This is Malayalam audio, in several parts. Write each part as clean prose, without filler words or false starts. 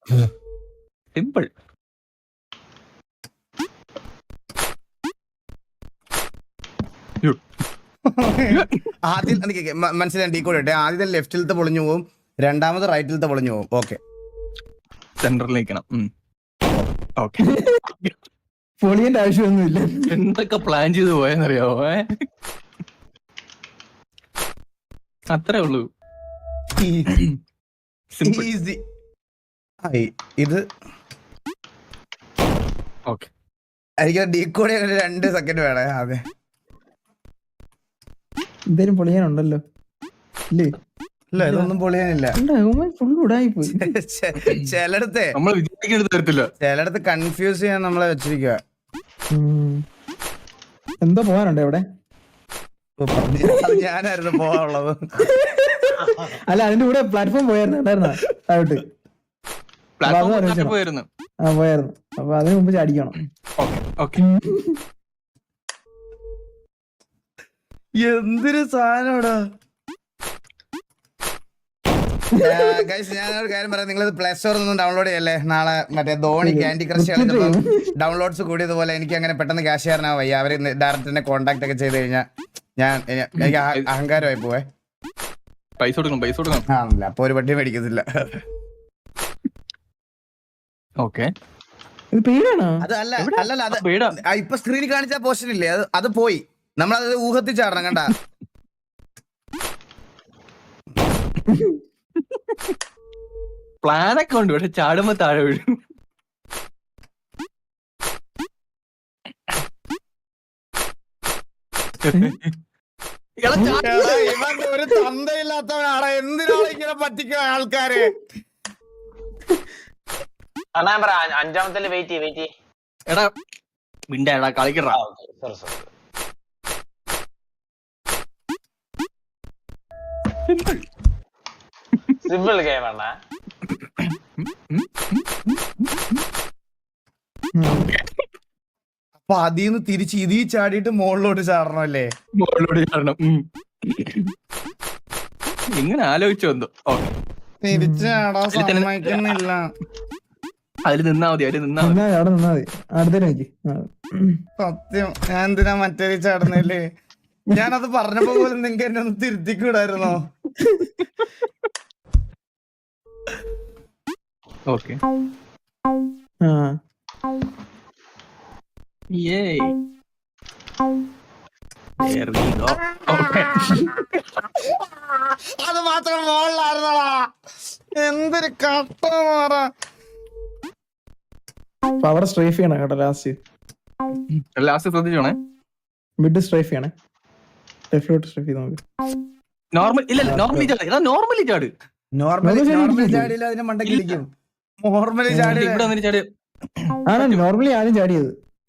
സിമ്പിൾ. ആദ്യം മനസ്സിലായി ഡീ കോഡ് ഇട്ടെ. ആദ്യത്തെ ലെഫ്റ്റിലത്തെ പൊളിഞ്ഞു പോകും, രണ്ടാമത് റൈറ്റിലത്തെ പൊളിഞ്ഞു പോകും. ഓക്കെ, സെന്ററിൽ നിൽക്കണം. ഓക്കെ. പൊളിയന്റെ ആവശ്യമൊന്നുമില്ല. എന്തൊക്കെ പ്ലാൻ ചെയ്ത് പോയെന്നറിയാവോ? അത്രേ ഉള്ളൂ. സിമ്പിൾ. ഈസി. ഇത് ഓക്കെ. എനിക്ക് ഡീ കോഡ് 2 സെക്കൻഡ് വേണേ. അതെ, എന്തേലും പൊളിയാനുണ്ടല്ലോ ഇല്ലേ? ഇല്ല ഇതൊന്നും പൊളിയാനില്ല. ഫുൾ ഉടായി പോയി. ചിലടത്തെ നമ്മൾ വിചാരിക്കേണ്ടത് തരത്തില്ല. ചിലടത്ത് കൺഫ്യൂസ് ചെയ്യാൻ നമ്മളെ വെച്ചിരിക്കുക. എന്തോ പോകാനുണ്ട് എവിടെ? ഞാനായിരുന്നു പോവാനുള്ളത്. അല്ല, അതിന്റെ കൂടെ പ്ലാറ്റ്ഫോം പോയായിരുന്നു താഴോട്ട്. പോയിരുന്നു. പോയായിരുന്നു. അപ്പൊ അതിന് മുമ്പ് ചാടിക്കണം. എന്തൊരു സാധനോടാ. ഞാനൊരു കാര്യം പറയാം, നിങ്ങളിത് പ്ലേ സ്റ്റോറിൽ നിന്നും ഡൗൺലോഡ് ചെയ്യല്ലേ. നാളെ മറ്റേ ധോണി ക്യാൻഡി ക്രഷ് കളിച്ചപ്പോൾ ഡൗൺലോഡ്സ് കൂടിയതുപോലെ എനിക്ക് അങ്ങനെ പെട്ടെന്ന് ക്യാഷ് ചെയ്യാനാ വയ്യ. അവര് ഡയറക്റ്റ് എന്നെ കോൺടാക്ട് ഒക്കെ ചെയ്ത് കഴിഞ്ഞാൽ എനിക്ക് അഹങ്കാരമായി പോവേ. പൈസ കൊടുക്കണം. ആണല്ല, അപ്പൊ ഒരു വണ്ടി മേടിക്കത്തില്ല. ഓക്കെ. അത് അല്ലല്ല അത് ഇപ്പൊ സ്ക്രീനിൽ കാണിച്ച പോർഷൻ ഇല്ലേ, അത് പോയി. നമ്മളത് ഊഹത്തിൽ ചാടണം. കണ്ട പ്ലാനൊക്കെ ഉണ്ട്, പക്ഷെ ചാടുമ്പോ താഴെ വീഴും. ഇവൻ ഒരു തന്തയില്ലാത്തവനാണ്. എന്തിനാണ് ഇങ്ങനെ പറ്റിക്കുക ആൾക്കാര്? അഞ്ചാമത്തെ വെയിറ്റ്. എടാ മിണ്ടാ കളിക്കടാ. സിമ്പിൾ ഗെയിം ആണ്. അപ്പൊ അതിന്ന് തിരിച്ച് ഇതീ ചാടിയിട്ട് മുകളിലോട്ട് ചാടണം അല്ലേ? മുകളിലോട്ട് ചാടണം. ഇങ്ങനെ ആലോചിച്ചു വന്നു. തിരിച്ച് ചാടാൻ സമ്മതിക്കുന്നില്ല. അതിൽ നിന്നാ മതി. അവിടെ നിന്നാ മതി. അടുത്തേക്ക് സത്യം, ഞാൻ എന്തിനാ മറ്റേ ചാടുന്നില്ലേ? ഞാനത് പറഞ്ഞപ്പോ പോലും നിങ്ങക്ക് എന്നെ ഒന്ന് തിരുത്തിക്കൂടായിരുന്നോ? ഓക്കെ. അത് മാത്രം മുകളിലായിരുന്നടാ. എന്തൊരു കട്ട മാറ. അവിടെ സ്ട്രൈഫ് ചെയ്യണം കേട്ടോ. ലാസ്റ്റ് ശ്രദ്ധിച്ചോണേ. മിഡ് സ്ട്രൈഫ് ചെയ്യണേ. ലെഫ്റ്റിലോട്ട് സ്ട്രൈഫ് ചെയ്ത് നോക്ക്. നോർമലി ചാട്. നോർമലി ചാടിയില്ല, അതിന് മണ്ടയ്ക്ക് ഇരിക്കും. നോർമലി ചാടി ഇവിടെ വന്നിട്ട് ചാട്. ആണ് നോർമലി ആദ്യം ചാടിയത്.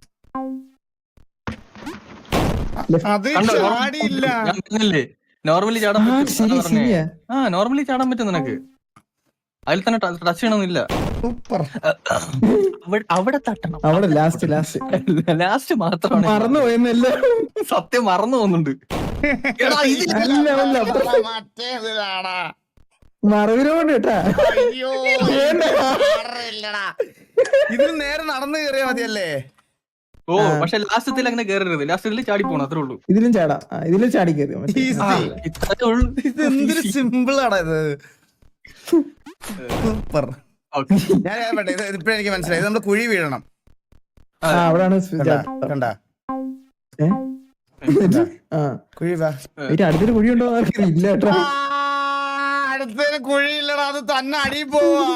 അത് ചാടിയില്ല. ഞാൻ പറഞ്ഞില്ലേ നോർമലി ചാടാൻ പറ്റും. നോർമലി ചാടാൻ പറ്റും നിനക്ക്. അതിൽ തന്നെ ടച്ച് ചെയ്യണമെന്നില്ല. സൂപ്പർ. അവിടെ തട്ടണം. അവിടെ ലാസ്റ്റ് മാത്രമാണ് മറന്നു പോയെന്നല്ല. സത്യം മറന്നു പോകുന്നുണ്ട്. മറവിനോണ്ട് കേട്ടാ. ഇതിൽ നേരെ നടന്നു കയറിയാ മതിയല്ലേ? ഓ, പക്ഷെ ലാസ്റ്റത്തിൽ അങ്ങനെ കയറരുത്. ലാസ്റ്റത്തിൽ ചാടി പോണം, അത്രേ ഉള്ളൂ. ഇതിലും ചാടാ. ഇതിലും ചാടി കയറി. എന്തൊരു സിമ്പിൾ ആണ് ഇത്. സൂപ്പർ. ഞാൻ ഇപ്പഴ എനിക്ക് മനസ്സിലായി, നമ്മള് കുഴി വീഴണം. അവിടാണ് കണ്ട കുഴി. അടുത്തൊരു കുഴി ഉണ്ടോ? ഇല്ല കേട്ടോ, അടുത്തൊരു കുഴിയില്ലടാ, അത് തന്നെ അടി പോവാ.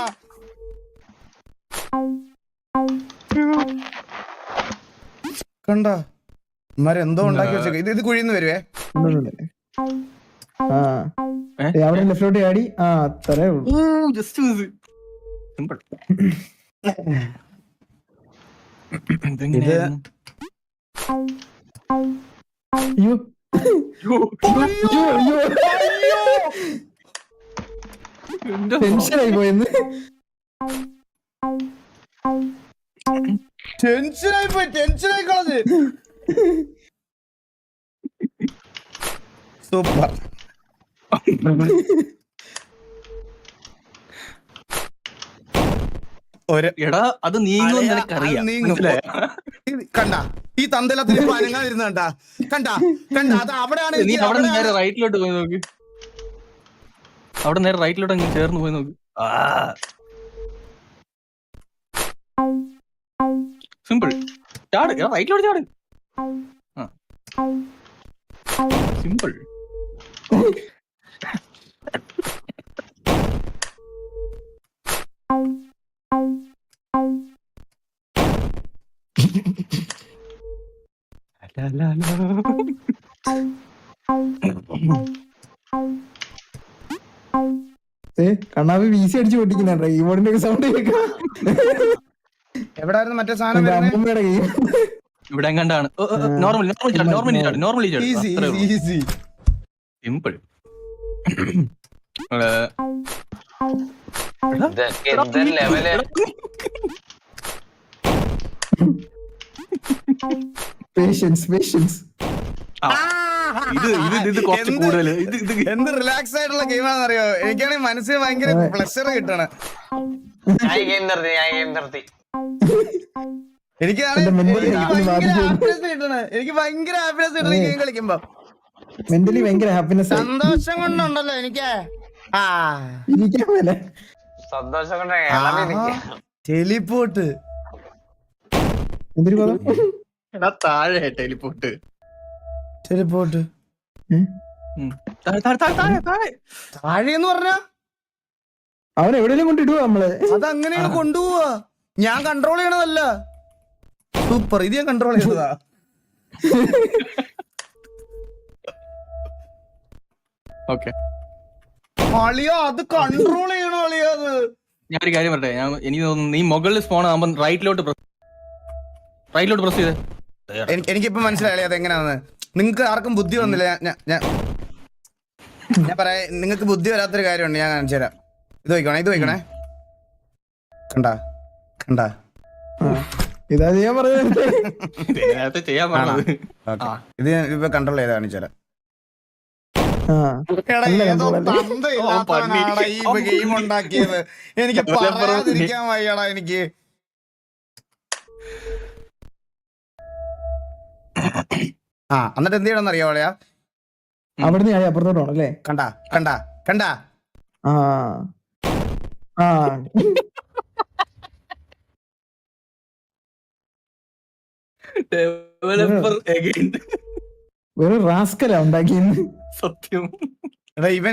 കണ്ട എന്തോ ഉണ്ടാക്കി വെച്ചേക്ക. ഇത് കുഴിന്ന് വരുവേ. അവിടെ ലെഫ്റ്റിലോട്ട് ചാടി. അത്രേ ഉള്ളൂ. Just simple. ടെൻഷനായി പോയെന്ന്. ടെൻഷനായി കളഞ്ഞ്. സൂപ്പർ. എടാ അത് നീങ്ങും നിനക്കറിയാം. മനസ്സിലായോ? കണ്ട ഈ തന്തലത്തിന് അനങ്ങാതിരുന്ന കണ്ട കണ്ട കണ്ട അത് അവിടെയാണ് നീ അവിടെ നേരെ റൈറ്റിലോട്ട് പോയി നോക്ക്. അവിടെ നേരെ റൈറ്റിലോട്ട് അങ്ങ് ചേർന്ന് പോയി നോക്ക്. സിമ്പിൾ. ചാട്, റൈറ്റിലോട്ട് ചാട്. സിമ്പിൾ. കണ്ണാപ്പി വീസി അടിച്ചു പൊട്ടിക്കുന്നുണ്ട് കീബോർഡിന്റെ ഒക്കെ സൗണ്ട് കേൾക്കാം. എവിടായിരുന്നു മറ്റേ സാധനം അമ്മൂമ്മയുടെ കൈ ഇവിടെ എങ്ങാണ്ടാണ്. Normally simple. ലെവല് പേഷ്യൻസ് ഇത് കുറച്ച് കൂടുതല്. എന്ത് റിലാക്സ് ആയിട്ടുള്ള ഗെയിമാണെന്ന് അറിയോ? എനിക്കാണെങ്കിൽ മനസ്സിന് ഭയങ്കര പ്ലഷർ കിട്ടണ. ഞാൻ ഗെയിം നിർത്തി എനിക്ക് ഭയങ്കര ഹാപ്പിനെസ് കിട്ടണ ഗെയിം കളിക്കുമ്പോ. മെന്റലി ഭയങ്കര ഹാപ്പിനെസ്, സന്തോഷം കൊണ്ടുണ്ടല്ലോ എനിക്ക്. സന്തോഷം കൊണ്ട് ടെലിപ്പോട്ട് എന്തൊരു പദം? താഴെ ടെലിപ്പോട്ട്. ടെലിപ്പോട്ട് താഴെന്ന് പറഞ്ഞ അവൻ എവിടെയെങ്കിലും കൊണ്ടിടുവോ നമ്മള്? അതങ്ങനെയാണ് കൊണ്ടുപോവാ. ഞാൻ കൺട്രോൾ ചെയ്യണതല്ല. സൂപ്പർ, ഇത് ഞാൻ കൺട്രോൾ ചെയ്തതാ. ഓക്കെ അളിയോ അത് കൺട്രോൾ ചെയ്യണോ അളിയോ? അത് ഞാനൊരു കാര്യം പറയട്ടെ. എനിക്ക് തോന്നുന്നു നീ മുകളിൽ സ്പോൺ ആകുമ്പോൾ റൈറ്റിലോട്ട് പ്രസ് ചെയ്തേ. എനിക്കിപ്പോ മനസ്സിലായി അത് എങ്ങനെയാന്ന്. നിങ്ങക്ക് ആർക്കും ബുദ്ധി വന്നില്ല. ഞാൻ പറയാ, നിങ്ങക്ക് ബുദ്ധി വരാത്തൊരു കാര്യമുണ്ട്, ഞാൻ കാണിച്ചു തരാം. ഇത് വയ്ക്കണേ കണ്ടാ ഇതാ ചെയ്യാൻ പറഞ്ഞത്. ചെയ്യാൻ പറഞ്ഞത്. ഇത് ഞാൻ ഇപ്പൊ കൺട്രോൾ ചെയ്ത് കാണിച്ചു തരാം. ഈ ഗെയിം ഉണ്ടാക്കിയത് എനിക്ക് പറയാതിരിക്കാൻ വയ്യടാ. എനിക്ക് എന്നിട്ട് എന്ത് ചെയ്യണമെന്ന് അറിയാവളയാ? അവിടുന്ന് അപ്പുറത്തോട്ടാണ് അല്ലേ? കണ്ടാ വെറും റാസ്കലാ ഉണ്ടാക്കിയെന്ന്. സത്യം. എടാ ഇവൻ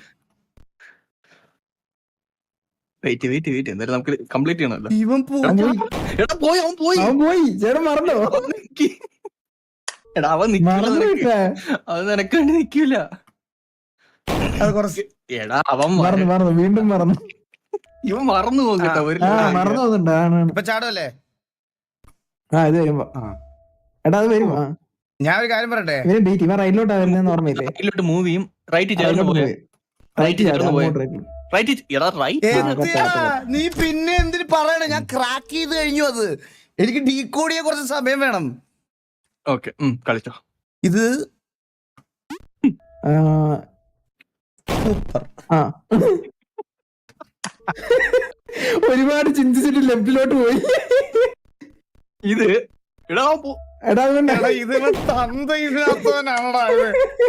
വെയിറ്റ് എന്തായാലും നമുക്ക് കംപ്ലീറ്റ് ചെയ്യണമല്ലോ. ഇവൻ അവൻ പോയി ചേട്ടൻ മറന്നോ? എടാ അവൻ അത് നിനക്ക് വേണ്ടി നിക്കൂല. അത് കുറച്ച് എടാ അവൻ മറന്നു വീണ്ടും മറന്നു. ഇവൻ മറന്നു പോകും കേട്ടോ. മറന്നു പോകുന്നുണ്ട്. ഇപ്പൊ ചാടുമല്ലേ? ഇത് വരുമ്പോ എടാ അത് വരുമ്പോ ഞാൻ ഒരു കാര്യം പറയട്ടെ. ഇവൻ റൈറ്റിലോട്ടാ വരുന്നതെന്ന് ഓർമ്മയില്ലേ? റൈറ്റിലോട്ട് മൂവ് ചെയ്യും. റൈറ്റ് ചേർന്ന് പോയി. നീ പിന്നെ എന്തിനു പറയണേ? ഞാൻ ക്രാക്ക് ചെയ്ത് കഴിഞ്ഞു. അത് എനിക്ക് ഡീകോഡ് ചെയ്യാൻ കുറച്ച് സമയം വേണം. ഓക്കെ കളിച്ചോ. ഇത് സൂപ്പർ. ഒരുപാട് ചിന്തിച്ചിട്ട് ലെഫ്റ്റിലോട്ട് പോയി. ഇത് ഇതിന് തന്തയില്ലാത്തവനാണടാ ഇത്.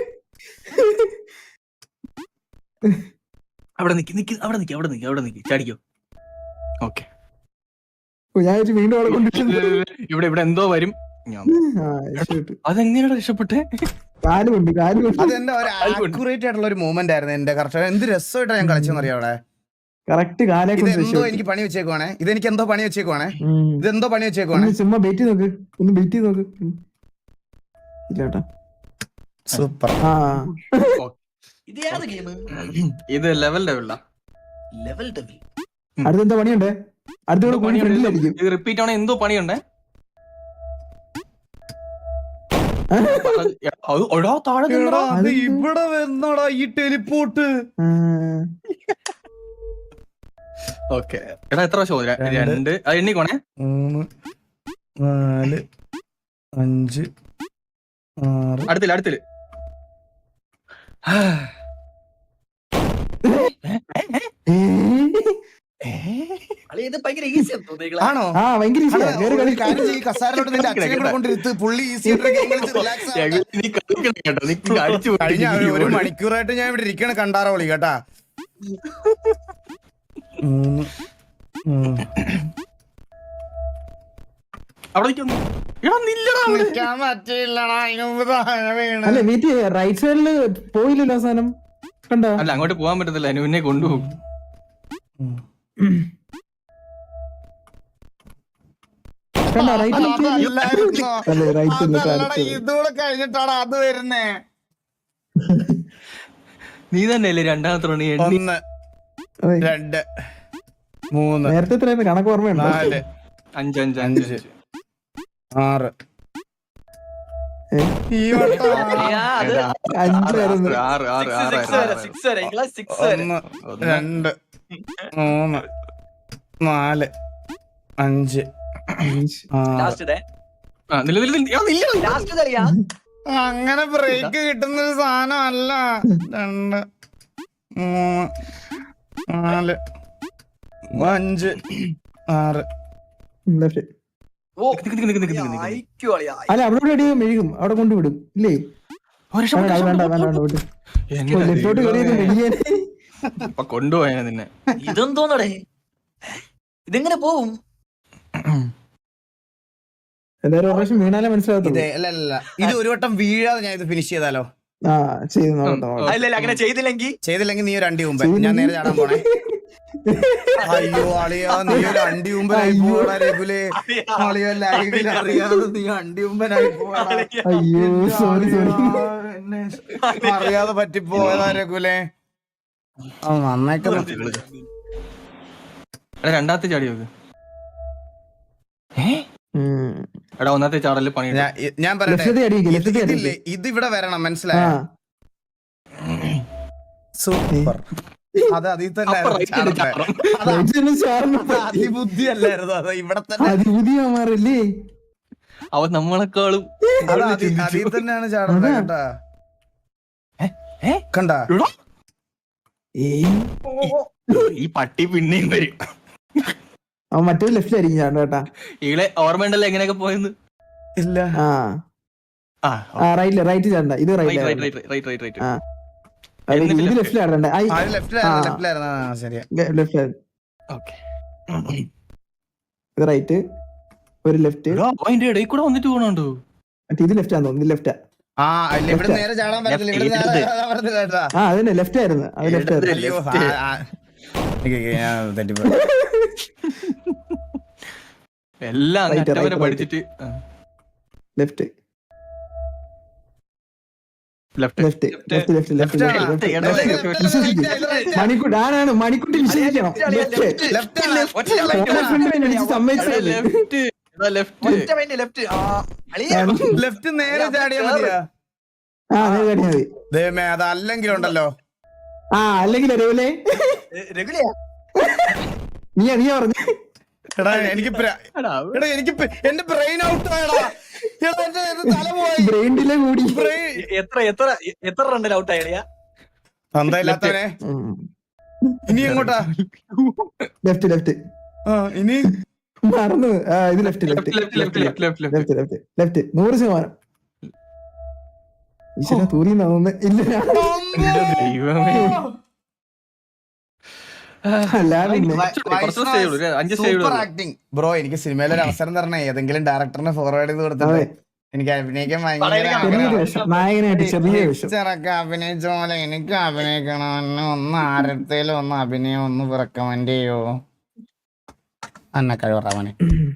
അവിടെ നിക്ക് ചാടിക്കോ. ഓക്കെ ഞാൻ വീണ്ടും അവിടെ കൊണ്ടിട്ടുണ്ട്. ഇവിടെ എന്തോ വരും. അതെങ്ങനെയാണ് രക്ഷപ്പെട്ടെ? കാലുകൊണ്ട് അതെന്താ ഒരു ആക്യുറേറ്റ് ആയിട്ടുള്ള ഒരു മൂവ്മെന്റ് ആയിരുന്നു. എന്റെ കറക്റ്റ് എന്ത് രസമായിട്ടാണ് ഞാൻ കളിച്ചെന്നറിയാം അവിടെ. കറക്റ്റ് ഇതെന്തോ എനിക്ക് പണി വെച്ചേക്കുവാണേ. ഇതെനിക്ക് എന്തോ പണി വെച്ചേക്കുവാണേ. ചുമ്മാ ബെറ്റ് നോക്ക്. ഒന്ന് ബെറ്റ് നോക്ക്. ഇല്ലേട്ടാ സൂപ്പർ. ഇത് ലെവൽ അടുത്തെന്താ പണിയുണ്ടേ? അടുത്ത പണിയുണ്ടായിരിക്കും. ഇത് റിപ്പീറ്റ് ആണോ? എന്തോ പണിയുണ്ടേ. ഇവിടെ വരുന്നടാ ഈ ടെലിപ്പോട്ട്. ഓക്കെ എടാ എത്ര ഷോ? 2 അത് എണ്ണിക്കോണേ. 3 4 5 6 അടുത്തില്ല ഇത് ഭയങ്കര ഈസി ആണോ ആ ഭയങ്കര ഈസിയാ കേറി കളി ഈ കസാരയിലോട്ട് നിന്റെ അച്ഛനെ കൂടെ കൊണ്ടിരുത്ത് പുള്ളി ഈസി റിലാക്സ് നീ കളിക്കണം കേട്ടോ, നീ അടിച്ചു കഴിഞ്ഞ ഒരു മണിക്കൂറായിട്ട് ഞാൻ ഇവിടെ ഇരിക്കണ കണ്ടാറോളി കേട്ടാ. 3 അവിടെ നിൽക്കുന്നു. എടാ നില്ലടാ അവിടെ. നിക്കാൻ പറ്റില്ലടാ, അതിന് മുമ്പ് താഴെ വീണ്. അല്ല വീട്ടിൽ റൈറ്റ് സൈഡില് പോയില്ലല്ലോ അവസാനം കണ്ടോ? അല്ല അങ്ങോട്ട് പോകാൻ പറ്റത്തില്ല, അനുവിനെ കൊണ്ടുപോകും. കണ്ടോ റൈറ്റ് അതല്ലായിരുന്നോ? അല്ലേ റൈറ്റ് അതല്ലടാ, ഇതൂടെ കഴിഞ്ഞിട്ടാണ് അത് വരുന്നേ. നീ തന്നെയല്ലേ രണ്ടാമത്തെ റണ്ണി എണ്ണി. 1 2 3 നേരത്തെ എത്രയായിരുന്നു കണക്ക് ഓർമ്മയുണ്ടോ? 4 5 5 5 5 6 ഈ വട്ടം 5ആയിരുന്നു. 6 6 6 6 വരെ 6 വരെ 1 2 3 4 5 ലാസ്റ്റ് ഡേ നില്ല. ലാസ്റ്റ് കളിയാ. അങ്ങനെ ബ്രേക്ക് കിട്ടുന്ന ഒരു സാധനം അല്ല. 2 3 4 5 6 Left. ഓ അയക്കു കളിയാ. അല്ല അവിടെ അടി മെഴുകും അവിടെ കൊണ്ടുവിടും ഇല്ലേ? വേണ്ട വേണ്ട വേണ്ട വിട്ടു. ലെഫ്റ്റോട്ട് കയറിയത് മെഴുകിയാൽ കൊണ്ടുപോയാ നിന്നെ. ഇതെന്തോന്നടേ, ഇതെങ്ങനെ പോവും? എന്തായാലും ഒരു പ്രാവശ്യം വീണാലേ മനസ്സിലാകത്തുള്ളൂ. അല്ല ഇത് ഒരു വട്ടം വീഴാതെ ഞാൻ ഇത് ഫിനിഷ് ചെയ്താലോ? ആ ചെയ്ത് നോക്കട്ടെ. അല്ല അങ്ങനെ ചെയ്തില്ലെങ്കിൽ നീ ഒരു അണ്ടി മുമ്പ് ഞാൻ നേരെ ചാടാൻ പോണേ. അയ്യോ അളിയാ, നീ ഒരു അണ്ടി മുമ്പനായി പോടാ രഘുലേ. അളിയ ലൈവിൽ അറിയാതെ നീ അണ്ടി മുമ്പനായി പോടാ. അയ്യോ സോറി സോറി. അറിയാതെ പറ്റിപ്പോയതാ രഘുലേ. നന്നായിട്ട് രണ്ടാമത്തെ ചാടി നോക്ക്. എടാ ഒന്നാമത്തെ ചാടല് പണി. ഞാൻ പറയട്ടെ, ഇത് ഇവിടെ വരണം, മനസ്സിലായോ? സൂപ്പർ. അത് അതിൽ തന്നെ അതിബുദ്ധി അല്ലായിരുന്നു, അത് ഇവിടെ തന്നെ അതിബുദ്ധിയാമാറല്ലേ അവൻ നമ്മളെക്കാളും അതിൽ തന്നെയാണ് ചാടുന്നത് കേട്ടാ. കണ്ടാ ഈ പട്ടി പിന്നെയും വരും. അവൻ മറ്റൊരു ലെഫ്റ്റിലായിരിക്കും ചാണ്ട കേട്ടാ. ഈളെ ഓർമ്മയുണ്ടല്ലോ എങ്ങനെയൊക്കെ പോയെന്ന്. ഇല്ല റൈറ്റ് ചാണ്ട. ഇത് ഇത് ലെഫ്റ്റിലാടണ്ട. ഇത് റൈറ്റ് ഒരു ലെഫ്റ്റ്. അതിന്റെ ഇടയിൽ കൂടെ വന്നിട്ട് പോണുണ്ടോ? മറ്റേ ഇത് ലെഫ്റ്റ് ആണെന്ന് തോന്നുന്നു. ലെഫ്റ്റാ. ഇവിടെ നേരെ ചാടാൻ പറ്റത്തില്ല. അതന്നെ ലെഫ്റ്റ് ആയിരുന്നു. അത് ലെഫ്റ്റ് ആയിരുന്നു. എല്ലാം വരെ പഠിച്ചിട്ട് ലെഫ്റ്റ് ലെഫ്റ്റ് മണിക്കുട്ടി ആരാണ് മണിക്കുട്ടി വിശ്വസിക്കണം. സമ്മതിച്ചല്ലേ? ലെഫ്റ്റ് നേരെ ചാടിയാ മതിയാ. മതി. ദൈവമേ, അത് അല്ലെങ്കിലുണ്ടല്ലോ. അല്ലെങ്കിൽ രഘുലേ നീ പറഞ്ഞു. എടാ എനിക്ക് എന്റെ ബ്രെയിൻ ഔട്ട് ആയടാ. തല പോയി. ബ്രെയിൻ ഡിലേ കൂടി. എത്ര റണ്ണിൽ ഔട്ട് ആയ തന്തയില്ലാത്തവനെ. ഇനി എങ്ങോട്ടാ? ലെഫ്റ്റ് ഇനി മറന്നു. ഇത് ലെഫ്റ്റ് 100%. ഈശ്വര തൂരിന്ന് തോന്നുന്നു. ഇല്ല സൂപ്പർ ആക്ടിങ് ബ്രോ. എനിക്ക് സിനിമയിൽ ഒരു അവസരം തരണേ. ഏതെങ്കിലും ഡയറക്ടറിനെ ഫോർവേഡ് ചെയ്ത് കൊടുത്തിട്ട് എനിക്ക് അഭിനയിക്കാൻ ഭയങ്കര നായകനായിട്ട് ചെറിയ വേഷം. ചെറക്ക അഭിനയിച്ച പോലെ എനിക്ക് അഭിനയിക്കണം. ഒന്ന് ആരത്തേലും ഒന്ന് അഭിനയം ഒന്ന് റെക്കമെൻഡ് ചെയ്യോ? അന്ന കഴിവറാവനെ.